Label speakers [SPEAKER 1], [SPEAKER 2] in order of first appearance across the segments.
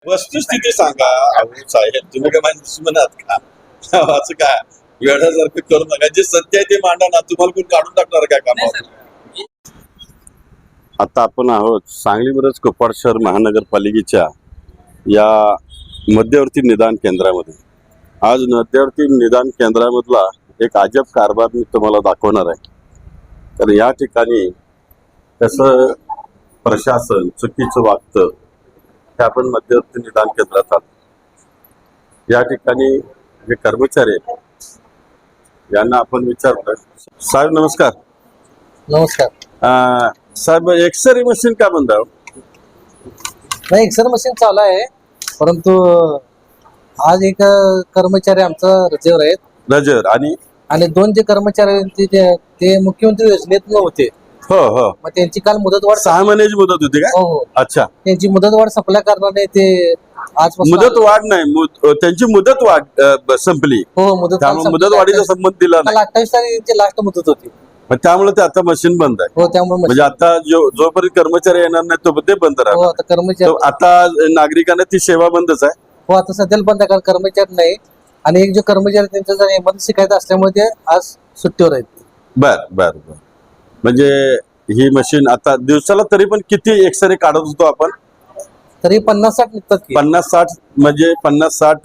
[SPEAKER 1] वस्तुस्थिती सांगा. अहो साहेब, तुम्ही काय माझ्या दुश्मनात का? असं काय वेळासारखं करू नका. जे सत्य आहे ते मांडा ना. तुम्हाला कोण काढून टाकणार काय कामावर? आता आपण आहोत सांगली मिरज कोप्पाड शहर महानगरपालिकेच्या या मध्यवर्ती निदान केंद्रामध्ये. आज मध्यवर्ती निदान केंद्रामधला एक अजब कारभार मी तुम्हाला दाखवणार आहे. तर या ठिकाणी कसं प्रशासन चुकीचं वागतं हे आपण मध्यवर्ती निदान केंद्रात आहोत. या ठिकाणी जे कर्मचारी आहेत यांना आपण विचारलं. साहेब नमस्कार.
[SPEAKER 2] नमस्कार.
[SPEAKER 1] साहेब एक्सरे मशीन का बंद आहे?
[SPEAKER 2] नाही, एक्सरे मशीन चालू आहे, परंतु आज एक कर्मचारी आमचा रजेवर आहेत.
[SPEAKER 1] नजर आणि
[SPEAKER 2] दोन जे कर्मचारी आहेत ते मुख्यमंत्री योजनेत होते.
[SPEAKER 1] हो हो.
[SPEAKER 2] मग त्यांची काल मुदतवाढ
[SPEAKER 1] 6 महिन्याची मुदत होती का?
[SPEAKER 2] हो हो.
[SPEAKER 1] अच्छा.
[SPEAKER 2] त्यांची मुदतवाढ संपल्या कारणाने ते आज
[SPEAKER 1] मुदत वाढ नाही, त्यांची मुदत वाढ संपली.
[SPEAKER 2] हो,
[SPEAKER 1] मुदत वाढीचा संबंध दिला नाही.
[SPEAKER 2] 28 तारीख लास्ट मुदत होती.
[SPEAKER 1] मग त्यामुळे ते आता मशीन बंद आहे.
[SPEAKER 2] हो, त्यामुळे
[SPEAKER 1] म्हणजे आता जोपर्यंत कर्मचारी येणार नाही तो ते बंद
[SPEAKER 2] हो,
[SPEAKER 1] राहणार.
[SPEAKER 2] आता कर्मचारी
[SPEAKER 1] आता नागरिकांना ती सेवा बंदच आहे.
[SPEAKER 2] हो, आता सध्याला बंद आहे, कारण कर्मचारी नाही. आणि एक जो कर्मचारी त्यांचा जर इमर्जन्सी शिकायचं असल्यामुळे ते आज सुट्टीवर आहेत.
[SPEAKER 1] बर बर बर. म्हणजे ही मशीन आता दिवसाला तरी पण किती एक्सरे काढत होतो आपण?
[SPEAKER 2] तरी 50-60 निघतात की.
[SPEAKER 1] 50-60 म्हणजे 50-60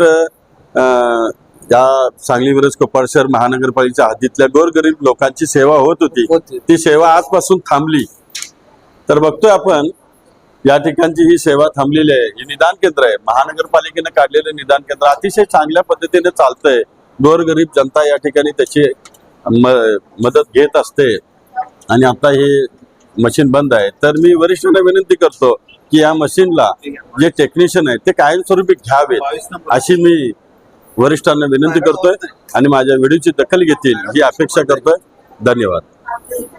[SPEAKER 1] या सांगली मिरज कोप्पाड शहर महानगरपालिकेच्या हद्दीतल्या गोरगरीब लोकांची सेवा होत होती. ती सेवा आजपासून थांबली. तर बघतोय आपण या ठिकाणची ही सेवा थांबलेली आहे. हे निदान केंद्र आहे, महानगरपालिकेने काढलेलं निदान केंद्र अतिशय चांगल्या पद्धतीने चालतंय. गोरगरीब जनता या ठिकाणी त्याची मदत घेत असते. आणि आता हे मशीन बंद आहे. तर मी वरिष्ठांना विनंती करतो की या मशीनला जे टेक्निशियन आहेत ते कायमस्वरूपी घ्यावेत अशी मी वरिष्ठांना विनंती करतोय आणि माझ्या व्हिडिओची दखल घेतील ही अपेक्षा करतोय. धन्यवाद.